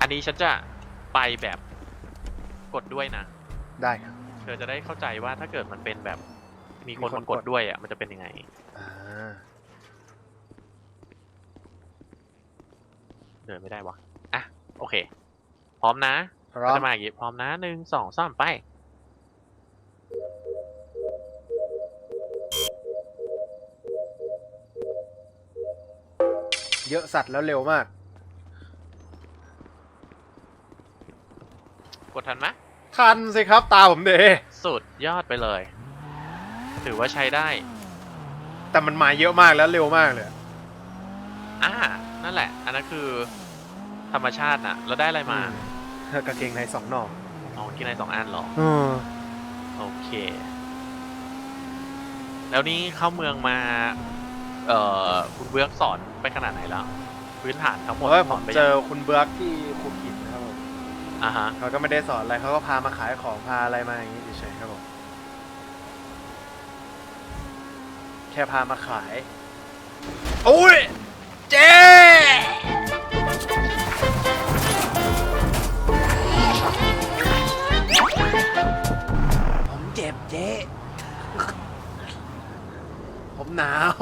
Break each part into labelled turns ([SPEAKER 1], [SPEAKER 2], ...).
[SPEAKER 1] อันนี้ฉันจะไปแบบกดด้วยนะ
[SPEAKER 2] ได้ครับ
[SPEAKER 1] เธอจะได้เข้าใจว่าถ้าเกิดมันเป็นแบบมีคนมากดด้วยอ่ะมันจะเป็นยังไงเดินไม่ได้วะอ่ะโอเคพร้อมนะจะมาอย่างนี้พร้อมนะ1 2 3ไป
[SPEAKER 2] เยอะสัตว์แล้วเร็วมาก
[SPEAKER 1] กดทันไหม
[SPEAKER 2] ทันสิครับตาผมเด
[SPEAKER 1] สุดยอดไปเลยถือว่าใช้ได้
[SPEAKER 2] แต่มันมาเยอะมากแล้วเร็วมากเลย
[SPEAKER 1] นั่นแหละอันนั้นคือธรรมชาติน่ะแล้วได้อะไรม
[SPEAKER 2] ากางเกงใน2 หน่อ
[SPEAKER 1] กินใน2 อันหรอโอเคแล้วนี่เข้าเมืองมาคุณเบือกสอนไปขนาดไหนแล้วพื้นฐานทั้งหมด
[SPEAKER 2] ผมเจอคุณเบือกที่ภูเก็ตนะครับผม
[SPEAKER 1] ฮะ
[SPEAKER 2] เขาก็ไม่ได้สอนอะไรเขาก็พามาขายของพาอะไรมาอย่างนี้เฉยๆครับผมแค่พามาขายโอ้ยเจ๊ผมเจ็บเจ๊ผมหนาว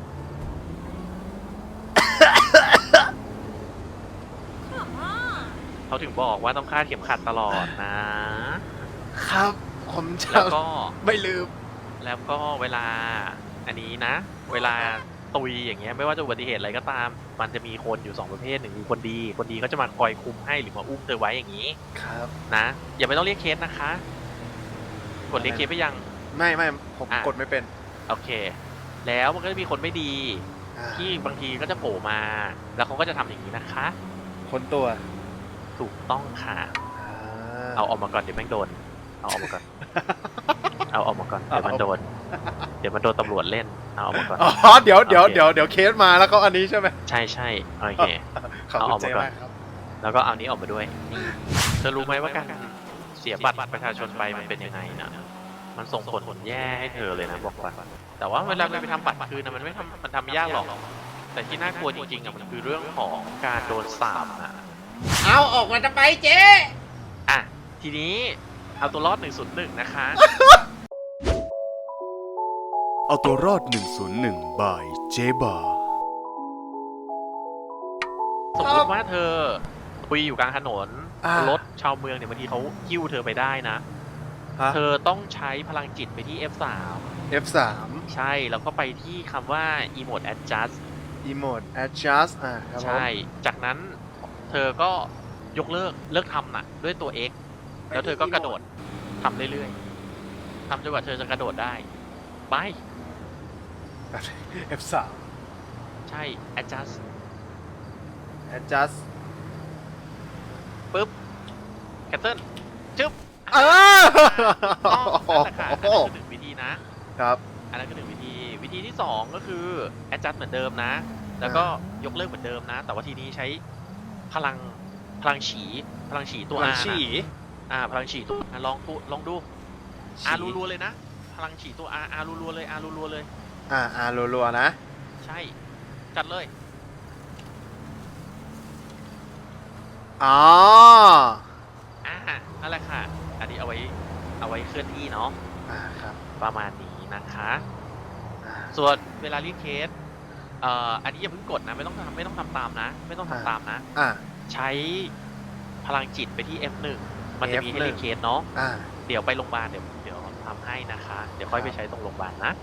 [SPEAKER 1] เขาถึงบอกว่าต้องคาดเข็มขัดตลอดนะครับ
[SPEAKER 2] ผมจะ
[SPEAKER 1] แล้วก็
[SPEAKER 2] ไม่ลืม
[SPEAKER 1] แล้วก็เวลาอันนี้นะเวลาตุยอย่างเงี้ยไม่ว่าจะอุบัติเหตุอะไรก็ตามมันจะมีคนอยู่2 ประเภท1คือคนดีเขาจะมาคอยคุมให้หรือมาอุ้มเธอไว้อย่างนี้
[SPEAKER 2] ครับ
[SPEAKER 1] นะอย่าไม่ต้องเรียกเคสนะคะกดเรียกเคสไปยัง
[SPEAKER 2] ไม่ผมกดไม่เป็น
[SPEAKER 1] โอเคแล้วมันก็จะมีคนไม่ดีที่บางทีก็จะโผล่มาแล้วเขาก็จะทำอย่างนี้นะคะ
[SPEAKER 2] คนตัว
[SPEAKER 1] ถูกต้องค่ะเอาออกมาก่อนเดี๋ยวแม่งโดนเอาออกมาก่อนเอาออกมาก่อนเดี๋ยวมันโดนตำรวจเล่นเอาออกมาก่อน
[SPEAKER 2] เดี๋ยวเคสมาแล้วก็อันนี้ใช่ไหม
[SPEAKER 1] ใช่โอเคเอาออกมาก่อนแล้วก็เอานี้ออกมาด้วยเธอรู้ไหมว่าการเสียบัตรประชาชนไปมันเป็นยังไงนะมันส่งผลแย่ให้เธอเลยนะบอกว่าแต่ว่าเวลาไปทำบัตรคืนนะมันทำไม่ยากหรอกแต่ที่น่ากลัวจริงๆอ่ะมันคือเรื่องของการโดนสาป
[SPEAKER 2] เอาออกมาจะไปเจ๊
[SPEAKER 1] ทีนี้เอาตัวรอด101นะคะ
[SPEAKER 3] เอาตัวรอด101บายเจ๊บา
[SPEAKER 1] สมมติว่าเธอคุยอยู่กลางถนนรถชาวเมืองเนี่ยบางทีเขาหิ้วเธอไปได้นะเธอต้องใช้พลังจิตไปที่ F3 ใช่แล้วก็ไปที่คำว่า emote adjust
[SPEAKER 2] ครับ
[SPEAKER 1] ใช่จากนั้นเธอก็ยกเลิกทำน่ะด้วยตัว X แล้วเธอก็กระโดดทำเรื่อยๆทำจนกว่าเธอจะกระโดดได้ไป
[SPEAKER 2] F3
[SPEAKER 1] ใช่ adjust ปึ๊บ cancel จึ๊บ
[SPEAKER 2] นั่น
[SPEAKER 1] แหละค่ะอันนั้นคือ1 วิธีนะครับอันนั้นคือ1 วิธีที่2ก็คือ adjust เหมือนเดิมนะแล้วก็ยกเลิกเหมือนเดิมนะแต่ว่าทีนี้ใช้พลังฉีตัว R พลังฉีตัวลองดู R รัวๆเลยนะพลังฉีตัว R รัวๆเลย R รัวๆเลย
[SPEAKER 2] R รัวๆนะ
[SPEAKER 1] ใช่จัดเลยนั่นแหละค่ะอันนี้เอาไว้เคลื่อนที่เนาะ
[SPEAKER 2] ครับ
[SPEAKER 1] ประมาณนี้นะคะส่วนเวลาเรียกเคสอันนี้อย่าเพิ่งกดนะไม่ต้องทำตามนะไม่ต้องทำตามนะใช้พลังจิตไปที่ F1 มันจะมีให้เรียกเคสเนาะเดี๋ยวไปโรงพยาบาลเดี๋ยวทำให้นะคะเดี๋ยวค่อยไปใช้ตรงโรงพยาบาลนะ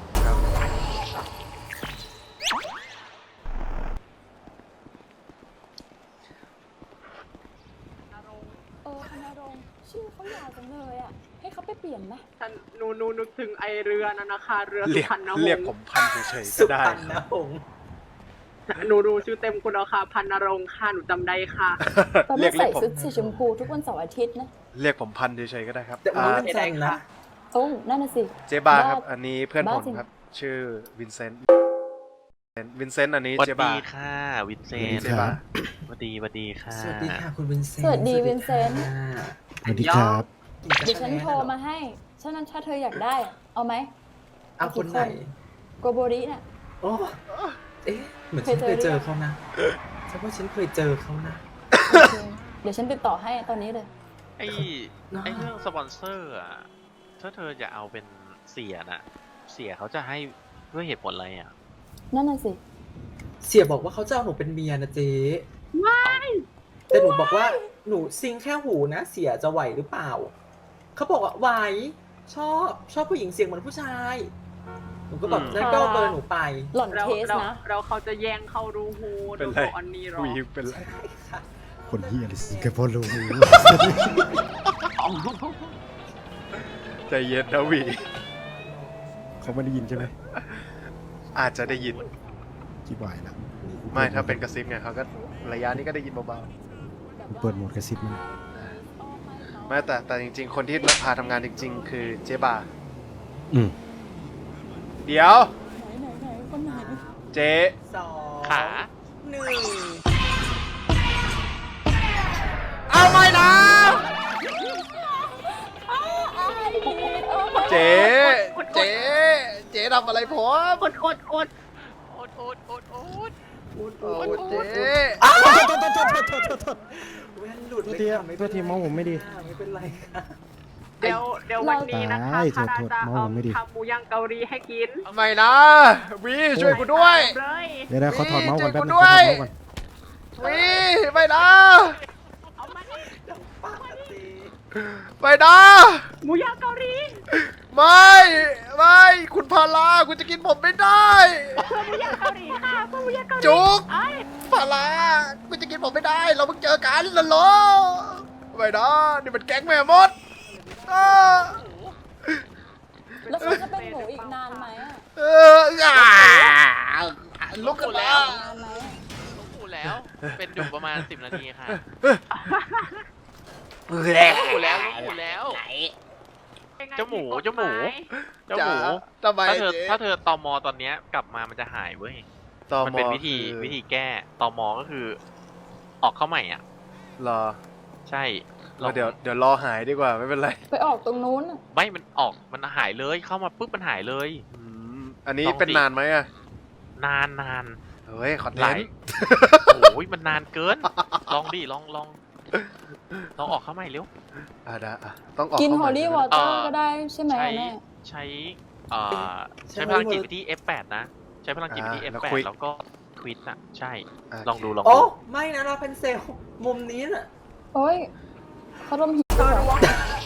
[SPEAKER 4] ธนรงค์ชื่อเขายาวจังเลยอ่ะให้เขาไปเปลี่ยนไหม
[SPEAKER 5] หนูนึกถึงไอเรือนั่นนะคะเรือสุพรรณหงส์
[SPEAKER 2] เรียกผมพันเฉยๆก็ได้
[SPEAKER 5] สุพรรณหงส์หนูดูชื่อเต็มคุณแล้วค่ะพันนรงค์ค่ะหนูจำได้ค่ะ
[SPEAKER 4] ตอนนี้ใส่ชุดสีชมพูทุกวันเสาร์อาทิตย์นะ
[SPEAKER 2] เรียกผมพันเฉยๆก็ได้ครับ
[SPEAKER 5] ไม่ได้นะ
[SPEAKER 4] โอ้นั่นน่ะสิ
[SPEAKER 2] เจ๊บาครับอันนี้เพื่อนผมครับชื่อวินเซนต์อันนี้เจ๊บา
[SPEAKER 1] สวัสดีค่ะวินเซนต์
[SPEAKER 2] เจ๊บา
[SPEAKER 1] สวัสดีค่ะ
[SPEAKER 5] สวัสดีค่ะคุณวินเซนต์
[SPEAKER 4] สวัสดีวินเซนต์
[SPEAKER 3] สวัสดีครับ
[SPEAKER 4] เดี๋ยวฉันโทรมาให้ฉะนั้นถ้าเธออยากได้เอาไหม
[SPEAKER 5] เอาคนไหน
[SPEAKER 4] โกโบริน่ะ
[SPEAKER 5] โอ้เหมือนฉันเคยเจอเขานะฉันว่าฉันเคยเจอเขานะ
[SPEAKER 4] ดี๋ยวฉันติดต่อให้ตอนนี้เลย
[SPEAKER 1] ไอ้เรื่องสปอนเซอร์อ่ะถ้าเธอจะเอาเป็นเสียน่ะ เสียเขาจะให้ด้วยเหตุผลอะไรอ่ะ
[SPEAKER 4] นั่นน่ะสิ
[SPEAKER 6] เสียบอกว่าเขาจะเอาหนูเป็นเมียนะเจ๊แต่หนูบอกว่าหนูซิงแค่หูนะ เสียจะไหวหรือเปล่า เขาบอกว่าไหวชอบผู้หญิงเสียงเหมือนผู้ชาย หนูก็บอกนั่นก็เอาเบอร์หนูไป
[SPEAKER 4] หล่อน
[SPEAKER 5] เรา
[SPEAKER 4] เทส
[SPEAKER 5] เรา
[SPEAKER 4] นะ
[SPEAKER 5] เราเขาจะแย่งเข้ารูหู
[SPEAKER 2] เป็
[SPEAKER 5] ดู
[SPEAKER 2] นไร
[SPEAKER 5] อันนี้หรอ
[SPEAKER 2] ผู้หญิงเป็นไร
[SPEAKER 6] ใช่ค่ะ
[SPEAKER 7] คนเฮียอะไรสิงคโปร์รู้
[SPEAKER 2] ใจเย็นนะวี
[SPEAKER 7] เขาไม่ได้ยินใช่ไหม
[SPEAKER 2] อาจจะได้ยิน
[SPEAKER 7] คิดไหวแล้ว
[SPEAKER 2] ไม่ถ้าเป็นกระซิบไงเขาก็ระยะนี้ก็ได้ยินเบา
[SPEAKER 7] เปิดโหมดกระซิบมัน
[SPEAKER 2] ๆไม่แต่จริง ๆ คนที่พาทำงานจริง ๆ คือเจ๊บา
[SPEAKER 7] อืม
[SPEAKER 2] เดี๋ยว
[SPEAKER 4] ไหนคนไหน
[SPEAKER 2] เจ๊
[SPEAKER 6] 2
[SPEAKER 1] ขา
[SPEAKER 6] 1
[SPEAKER 2] เอาไม่นะเจ๊เจ๊ทำอะไรผม
[SPEAKER 5] อด
[SPEAKER 1] โอ๊ต
[SPEAKER 2] โอ้เจ๊
[SPEAKER 6] แว่นหลุด
[SPEAKER 7] โทษ
[SPEAKER 6] เลย
[SPEAKER 7] ที
[SPEAKER 6] ค่ะไม่
[SPEAKER 7] โทษทีเมาส์ผมไม่ดี
[SPEAKER 6] ไม่เป็นไรค่ะ
[SPEAKER 5] เดี๋ยววันนี้นะคะ
[SPEAKER 7] ตาย
[SPEAKER 5] คารา
[SPEAKER 7] โทษ
[SPEAKER 5] จะ
[SPEAKER 7] เมาผมไม่ดี
[SPEAKER 5] ทำหมูย่างเกาหลีให้กิน
[SPEAKER 2] ไม่นะวีช่วยกูด้วย
[SPEAKER 5] เลย
[SPEAKER 7] เดี๋ยวเขาถอดเมาส์ก่อนแป๊บนึง
[SPEAKER 2] ช่วยกูด้วย
[SPEAKER 7] เขาถอดเมาส์ก่อน
[SPEAKER 2] วีไม่นะ
[SPEAKER 5] เอามานี่
[SPEAKER 6] ป้าเจ๊
[SPEAKER 2] ไม่นะ
[SPEAKER 5] หมูย่างเกาหลี
[SPEAKER 2] ไม่คุณพาราคุณจะกินผมไม่ได้
[SPEAKER 5] หมูย่างเกาหลีค่ะหมูย่างเกาหลี
[SPEAKER 2] จุก
[SPEAKER 5] ไอ้
[SPEAKER 2] พาราคุณจะกินผมไม่ได้ เราเพิ่งเจอกันแล้วเหรอไม่นะนี่มันแก๊งแม่มดอ้า
[SPEAKER 4] แล้วเขาจะเป็นหนูอีกนานไหมอะ
[SPEAKER 2] ลุกขึ้นแล้ว
[SPEAKER 4] นานไหมอะ
[SPEAKER 1] ลูกหูแล้ว เป็นอยู่ประมาณ 10 นาทีค่ะลูกหูแล้วเจ้าหมู
[SPEAKER 2] จ๋าทำไม
[SPEAKER 1] ถ้าเธอตมตอนเนี้ยกลับมามันจะหายเว้ย มันเป็นวิธีแก้ตมก็คือ ออกเข้าใหม่อ่ะ
[SPEAKER 2] รอ
[SPEAKER 1] ใช่
[SPEAKER 2] เดี๋ยวรอหายดีกว่าไม่เป็นไร
[SPEAKER 4] ไปออกตรงนู้นน่ะ
[SPEAKER 1] ไม่มันออกมันหายเลยเข้ามาปุ๊บมันหายเลย
[SPEAKER 2] อันนี้
[SPEAKER 1] ลองดิ
[SPEAKER 2] เป็นนานไหมอะ
[SPEAKER 1] นาน
[SPEAKER 2] เฮ้ยขอ
[SPEAKER 1] หลา
[SPEAKER 2] เล่
[SPEAKER 1] ย
[SPEAKER 2] น
[SPEAKER 1] โอ้ยมันนานเกิน ลองดิลองออกเข้าใหม่เร็ว
[SPEAKER 2] ได้ต้องออก
[SPEAKER 4] กิน
[SPEAKER 2] เข้า
[SPEAKER 4] ฮอ
[SPEAKER 2] มา
[SPEAKER 4] ลลี่
[SPEAKER 2] ใช่
[SPEAKER 4] ว
[SPEAKER 2] ไหม
[SPEAKER 4] อเตอร์ก็ได้ใช่ไหม
[SPEAKER 1] ใช้
[SPEAKER 4] แม่
[SPEAKER 1] ใช้ใช้พลังจิตวิธี F8 นะ ใช้พลังจิตวิธี F8 แล้วก็ทวิตอ่ะใช่ ลองดู
[SPEAKER 6] โอ้ไม่นะเราเป็นเซลล์มุมนี้น่ะ
[SPEAKER 4] โอ้ยเขาลมหิวเหรอ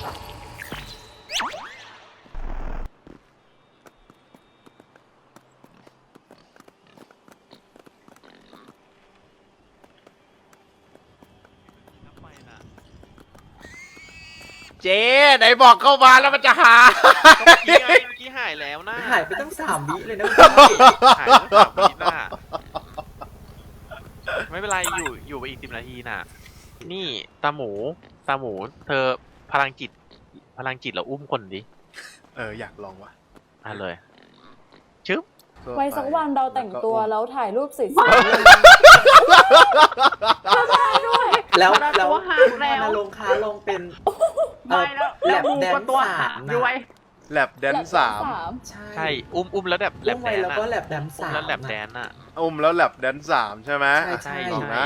[SPEAKER 2] เจ๊ไหนบอกเข้ามาแล้วมันจะหา
[SPEAKER 1] เมื่อกี้หายแล้วนะ
[SPEAKER 6] หายไปตั้ง3 วิเลยนะ
[SPEAKER 1] หายไป3 วิน่ะไม่เป็นไรอยู่ไปอีก10 นาทีน่ะ นี่ตาหมู เธอพลังจิตเราอุ้มคนดิ
[SPEAKER 2] อยากลองว่ะ
[SPEAKER 1] เลยชึบ
[SPEAKER 4] ไว้สักวันเราแต่งตัวแล้วถ่ายรูปสวย
[SPEAKER 6] แล้วพ
[SPEAKER 5] ตัวหา
[SPEAKER 6] คุณ
[SPEAKER 5] แล้ว
[SPEAKER 6] มาลงค้าลงเป็น
[SPEAKER 5] ไม่แล้ว
[SPEAKER 6] แล
[SPEAKER 5] แล้ว
[SPEAKER 6] บ
[SPEAKER 5] หมู
[SPEAKER 6] แด
[SPEAKER 5] ก็
[SPEAKER 6] น
[SPEAKER 5] ตัว
[SPEAKER 6] สา
[SPEAKER 5] หาม
[SPEAKER 6] นะ
[SPEAKER 5] ด้วย
[SPEAKER 2] แลบแดน
[SPEAKER 4] ๆ
[SPEAKER 2] สาม
[SPEAKER 6] ใช่
[SPEAKER 1] ใช่อุ้มแล้วแบบแล
[SPEAKER 6] อุ้
[SPEAKER 1] บ
[SPEAKER 6] ม
[SPEAKER 1] แด
[SPEAKER 6] ไว้
[SPEAKER 1] น
[SPEAKER 6] แล้วก็
[SPEAKER 1] อะ
[SPEAKER 6] แลบแดน
[SPEAKER 1] อุ้ม
[SPEAKER 6] สาม
[SPEAKER 1] แล้วแลบแดนอะ
[SPEAKER 2] แล้วแลบแดนสามใช่ไหม
[SPEAKER 6] ใช่
[SPEAKER 2] ลองนะ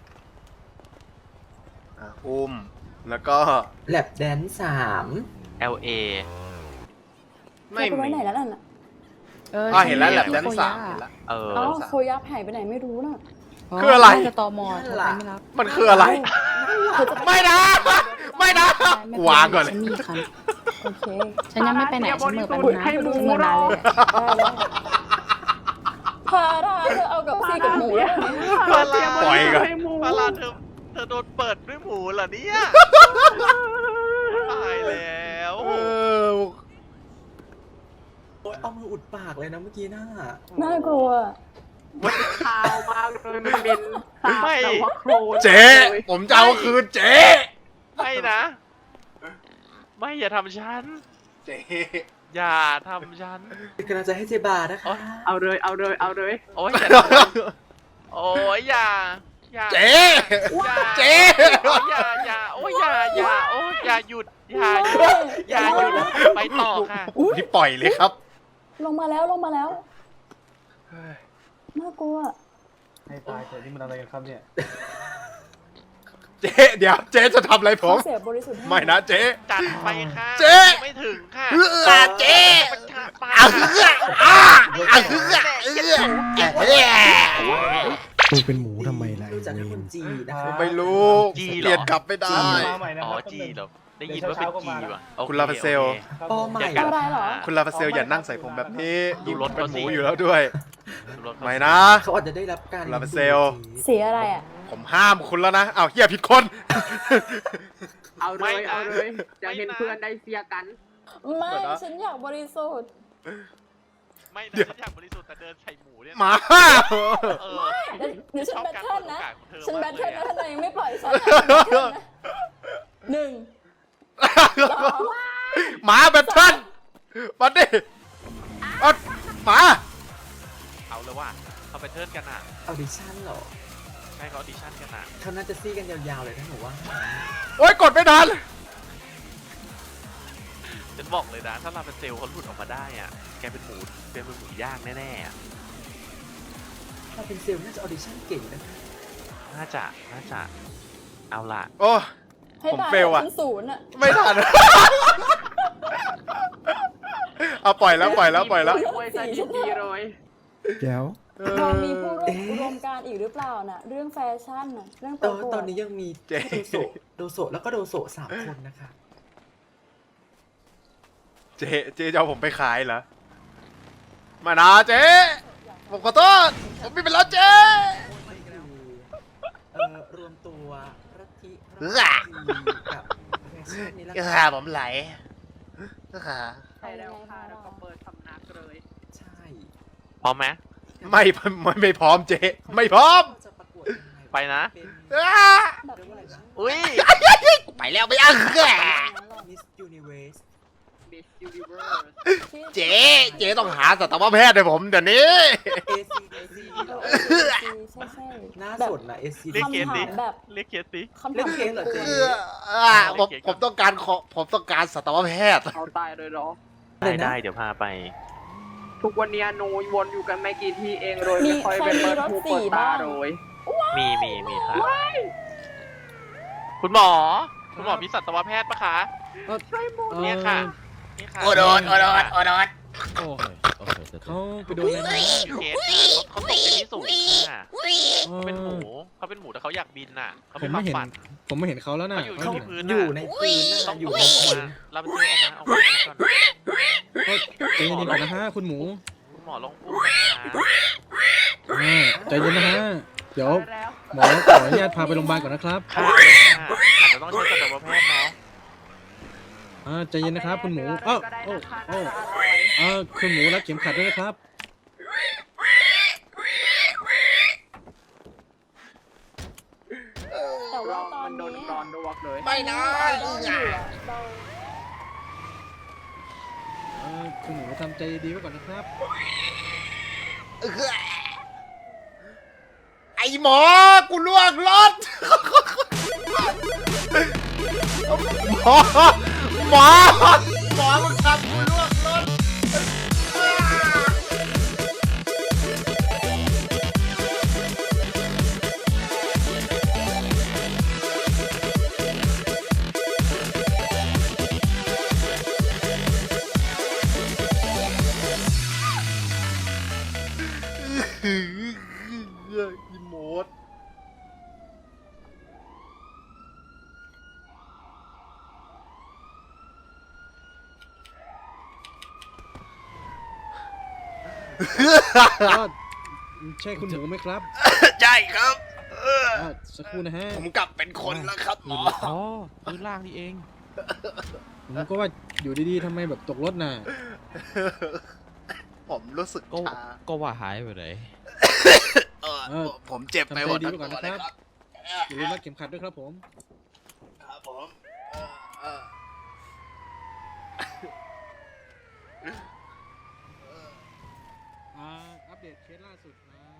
[SPEAKER 2] อุ้มแล้วก็
[SPEAKER 6] แลบแดน3
[SPEAKER 1] LA
[SPEAKER 2] ไม่
[SPEAKER 4] เธอไป
[SPEAKER 2] มี
[SPEAKER 4] ไว้ไหนแล้วนั่นน่ะ
[SPEAKER 2] เห็นแล้วแลบแดนสามเห็นแล้ว
[SPEAKER 1] เออ
[SPEAKER 4] อ๋อโคยับหายไปไหนไม่รู้น่ะ
[SPEAKER 2] คืออะไร
[SPEAKER 8] น่าจะตมโทรไปไม่รับ
[SPEAKER 2] มันคืออะไร
[SPEAKER 4] เธอจะไป
[SPEAKER 2] ไม่นะไม่นะ
[SPEAKER 8] ไม่
[SPEAKER 2] วางก่อนเลย
[SPEAKER 8] ฉันมีคัน
[SPEAKER 4] โอเค
[SPEAKER 8] ฉันยังไม่ไปไหน ฉันเหมือนไป
[SPEAKER 5] อุ๊ย
[SPEAKER 8] นะ
[SPEAKER 5] ให้หมู
[SPEAKER 8] ฉันเหมือนนานเลยอะ
[SPEAKER 4] ได้แล้วพาราเธอเอากับซี่กับหมูแล้วไหม
[SPEAKER 2] ปล่อยก่อน
[SPEAKER 5] ให้หมู
[SPEAKER 1] ปาลาเธอโดนเปิดด้วยหมูเหรอเนี่ยตายแล้ว
[SPEAKER 2] เออ
[SPEAKER 6] โอ๊ยเอามืออุดปากเลยนะเมื่อกี้น่า
[SPEAKER 4] น่ากลัว
[SPEAKER 5] ขาวมากเลยมันเป็นสาบแต่ว่าโครน
[SPEAKER 2] เจ๊ผมจะเอาคืนเจ๊
[SPEAKER 1] ไม่นะ ไม่อย่าทำฉัน
[SPEAKER 2] เจ๊
[SPEAKER 1] อย่าทำฉัน
[SPEAKER 6] กำลังจะให้เจบานะคะ
[SPEAKER 5] เอาเลย
[SPEAKER 1] โอ้ยอย่าทำฉันโอ้ยอย่า
[SPEAKER 2] เจ๊
[SPEAKER 1] อย่า
[SPEAKER 2] เจ๊
[SPEAKER 1] โอ้ยอย่าโอ้ยโอ้ยอย่าหยุดไปต่อค่ะ
[SPEAKER 2] นี่ปล่อยเลยครับ
[SPEAKER 4] ลงมาแล้วน่ากลัว
[SPEAKER 7] ให้ตายเถอะนี่มันอะไรกันครับเนี่ย
[SPEAKER 2] เจ๊เดี๋ยวเจ๊จะทำอะไรผม
[SPEAKER 4] เขาเสียบริสุทธิ์ให้
[SPEAKER 2] ไม่นะเจ๊
[SPEAKER 1] จัดไปค่ะ
[SPEAKER 2] เจ๊
[SPEAKER 1] ไม่ถึงค่ะ
[SPEAKER 2] เจ๊
[SPEAKER 1] มันขาดไป
[SPEAKER 7] มึงเป็นหมูทำไมล่ะ
[SPEAKER 6] รู้จักคุณจีนะคะ
[SPEAKER 2] ไม่รู้เปลี่ยนกลับไม่ได้
[SPEAKER 1] อ๋อจีเหรอได้ยินว่าเป็นจีว่ะโอเ
[SPEAKER 2] คุณลาฟาเซล
[SPEAKER 1] โอค
[SPEAKER 6] ปอใหม่
[SPEAKER 1] ย่ากัด
[SPEAKER 4] อะไรเหรอ
[SPEAKER 2] คุณลาฟาเซลอย่านั่งใส่ผมแบบนี้
[SPEAKER 1] ดูรถ
[SPEAKER 2] เป็น
[SPEAKER 1] เขา
[SPEAKER 2] ห
[SPEAKER 1] สิ
[SPEAKER 2] มูอยู่แล้วด้วย
[SPEAKER 1] รถเขา
[SPEAKER 2] ไม่นะ
[SPEAKER 6] เขาอาจจะได้รับการ
[SPEAKER 2] ลาเปเซล
[SPEAKER 4] สีอะไรอ่ะ
[SPEAKER 2] ผมห้ามคุณแล้วนะอ้าวเฮียผิดคน
[SPEAKER 5] เอาเลยเอาเลยจะเห็นเพื่อนได้เสียกัน
[SPEAKER 4] ไม่
[SPEAKER 2] เดี๋ยวนะ
[SPEAKER 4] ฉันอยากบริสุทธิ์
[SPEAKER 1] ไม่นะฉันอยากบริสุทธิ์แต่เดินใส่หมูเนี่ย
[SPEAKER 2] หมา
[SPEAKER 1] เออ
[SPEAKER 4] เดี๋ยวฉันแบทเทิลนะ
[SPEAKER 1] ชอบการเปิดโอกาสของเธอ
[SPEAKER 4] ฉันแบทเทิล
[SPEAKER 1] มากเลยอะ
[SPEAKER 4] นะถ้านายยังไม่ปล่อยฉันอะฉันแบทเทิลนะหนึ่งสอง
[SPEAKER 2] หมาแบทเทิลมาดิเอาหมา
[SPEAKER 1] เอาเลยว่ะเขาไปเทิร์นกันอ่ะ
[SPEAKER 6] ออดิชั่นเหรอ
[SPEAKER 1] ใช่เขาออดิชั่นกันอ่ะ
[SPEAKER 6] เขาน่าจะซี่กันยาวๆเลยนะหนูว่า
[SPEAKER 2] โอ๊ยกดไม่ทัน
[SPEAKER 1] ฉันบอกเลยนะถ้าลาเป็นเซลล์เขาหลุดออกมาได้อ่ะแกเป็นหมูย่างแน่ๆอะ
[SPEAKER 6] ถ้าเป็นเซลล์น่าจะออดิชั่นเก่งนะคะ
[SPEAKER 1] น่าจะเอาล่ะ
[SPEAKER 2] โอ้
[SPEAKER 4] ให้
[SPEAKER 2] ผม
[SPEAKER 4] ตาย
[SPEAKER 2] เฟลอะ
[SPEAKER 4] ฉันศูนย์อ่ะ
[SPEAKER 2] ไม่ทัน เอาปล่อยแล้ว
[SPEAKER 5] โอ้ยสถิติเลย
[SPEAKER 7] แจ๋ว
[SPEAKER 4] เรามีผู้ร่วมอุดมการณ์อีกหรือเปล่าน่ะ เรื่องแฟชั่นน่ะ เรื่องประกวด
[SPEAKER 6] ตอนนี้ยังมี
[SPEAKER 2] เจ๊
[SPEAKER 6] โดโซแล้วก็โดโซ3 คนนะคะ
[SPEAKER 2] เจ๊จะเอาผมไปขายเหรอไมานะเจ๊ผมขอโทษผมไม่เป็นแล้วเจ๊
[SPEAKER 6] รวมตัวรัฐิ
[SPEAKER 2] เออ
[SPEAKER 6] กับแฟชั่นนี่แหละค่ะ
[SPEAKER 2] ผมไหล
[SPEAKER 5] ใช่แล้วค่ะแล้วก็เปิดสำนักเลย
[SPEAKER 6] ใช่
[SPEAKER 1] พร้อมไหม
[SPEAKER 2] ไม่พร้อมเจ๊ไม่พร้อม
[SPEAKER 6] จะประกวดยังไง
[SPEAKER 1] ไปนะ
[SPEAKER 6] เป็น
[SPEAKER 4] แบบ
[SPEAKER 6] เรียกว่าอะไรนะ
[SPEAKER 1] อุ้ย
[SPEAKER 2] ไปแล้วไม่เอา
[SPEAKER 6] Miss Universe
[SPEAKER 5] Miss Universe
[SPEAKER 2] เจ๊ต้องหาสัตวแพทย์ให้ผมเดี๋ยวนี้
[SPEAKER 6] ACDC เหรอ
[SPEAKER 4] ใช่
[SPEAKER 6] น่า
[SPEAKER 4] แบบ
[SPEAKER 6] สนนะ ACDC
[SPEAKER 1] เรียกเกณฑ์
[SPEAKER 4] คำ
[SPEAKER 1] ดิ
[SPEAKER 4] ถามแบบ
[SPEAKER 1] เรียกเคสดิ
[SPEAKER 4] คำ
[SPEAKER 6] เรื่
[SPEAKER 4] ถา
[SPEAKER 6] อ
[SPEAKER 4] ม
[SPEAKER 6] งเคสเหรอเจ๊
[SPEAKER 2] ผมต้องการสัตวแพทย์
[SPEAKER 5] เอาตายเลยเหรอ
[SPEAKER 1] ได้เดี๋ยวพาไป
[SPEAKER 5] ทุกวันนี้หนูวนอยู่กันไม่กี่ที่เองเลยไม่ค่อยไปเปิดหูเปิดตาเลย
[SPEAKER 1] มีค่ะคุณหมอมีสัตวแพทย์ปะคะ
[SPEAKER 5] ใช่หมด
[SPEAKER 1] เนี่ยค่ะนี่ค่ะ
[SPEAKER 2] โอโดน
[SPEAKER 9] โอ้ยโอเค
[SPEAKER 7] เขาไปโดนอะไรมา
[SPEAKER 1] เคสค่ะเขาตกจากที่สูงค่ะเขาเป็นหมูแต่เขาอยากบินน่ะเขา
[SPEAKER 7] ผ
[SPEAKER 1] เป็
[SPEAKER 7] ม
[SPEAKER 1] น
[SPEAKER 7] ไม่เห็น
[SPEAKER 1] ฝัน
[SPEAKER 7] ผมไม่เห็นเขาแล้วนะ
[SPEAKER 1] เขาอยู่
[SPEAKER 6] เขา
[SPEAKER 1] ที่พื้น
[SPEAKER 6] อยู่ในพื้น
[SPEAKER 1] ต้
[SPEAKER 6] น่ะ
[SPEAKER 1] อง
[SPEAKER 6] อยู่
[SPEAKER 1] อ
[SPEAKER 6] ใน
[SPEAKER 1] อก
[SPEAKER 6] พื้น
[SPEAKER 1] มาเราเป็นตัวออกมาก่อน
[SPEAKER 7] ใจเย็นๆก่อนนะฮะคุณหมู
[SPEAKER 1] คุณหมอลองอุ้มนะคะ
[SPEAKER 7] ใจเย็นนะฮะ เดี๋ยว
[SPEAKER 5] แล้ว
[SPEAKER 7] หมอขออนุญาตพาไปโรงพยาบาลก่อนนะครับ
[SPEAKER 1] ค่ะอาจจะต้องใช้สัตวแพทย์เนาะ
[SPEAKER 7] ใจเย็นนะครับ คุณหมูเอ้าโอ้โอ้คุณหมูรัดเข็มขัดด้วยนะครับ
[SPEAKER 4] แต่ว่า
[SPEAKER 5] เรา
[SPEAKER 4] ตอน
[SPEAKER 5] มันโดน
[SPEAKER 4] นี้
[SPEAKER 5] ร้อนดวกเลย
[SPEAKER 2] ไม่นะ
[SPEAKER 4] เราอยู่อะเรา
[SPEAKER 7] คุณหมูทำใจดีไว้ก่อนนะครับ
[SPEAKER 2] ไอหมอ กูล่วงรถหมอมึงทำกูล่วงรถอีโมด
[SPEAKER 7] ใช่คุณหมูไหมครับ
[SPEAKER 2] ใช่ครับ
[SPEAKER 7] สักครู่นะฮะ
[SPEAKER 2] ผมกลับเป็นคนแล้วครับหมอ
[SPEAKER 9] อ๋อพื้นล่างนี่เอง
[SPEAKER 7] ผมก็ว่าอยู่ดีๆทำไมแบบตกรถน่ะ
[SPEAKER 2] ผมรู้สึก
[SPEAKER 9] ก็
[SPEAKER 2] ชา
[SPEAKER 9] ก็ว่าหายไปไหน
[SPEAKER 2] ผมเจ็บไปหมดทั้งตัวเลยครับ
[SPEAKER 7] อย่าลืมรัดเข็มขัดด้วยครับผม
[SPEAKER 2] ครับผม
[SPEAKER 7] อัปเดตเคสล่าสุดนะ